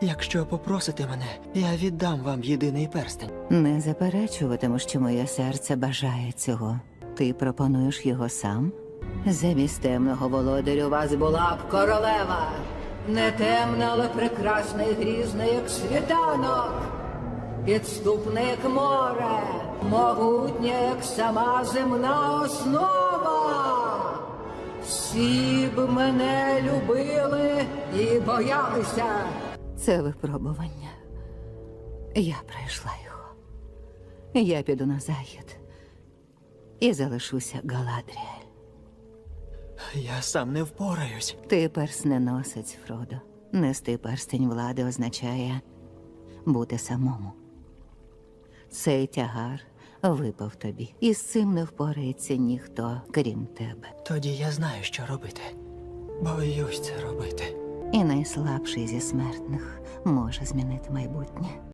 Якщо попросите мене, я віддам вам єдиний перстень. Не заперечуватиму, що моє серце бажає цього. Ти пропонуєш його сам? Замість темного володарю у вас була б королева. Не темна, але прекрасна і грізна, як світанок. Підступна, як море, могутня, як сама земна основа. Всі б мене любили і боялися. Це випробування. Я пройшла його. Я піду на захід і залишуся Галадріель. Я сам не впораюсь. Ти персненосець, Фродо. Нести перстень влади означає бути самому. Цей тягар випав тобі, і з цим не впорається ніхто, крім тебе. Тоді я знаю, що робити. Боюсь це робити. І найслабший зі смертних може змінити майбутнє.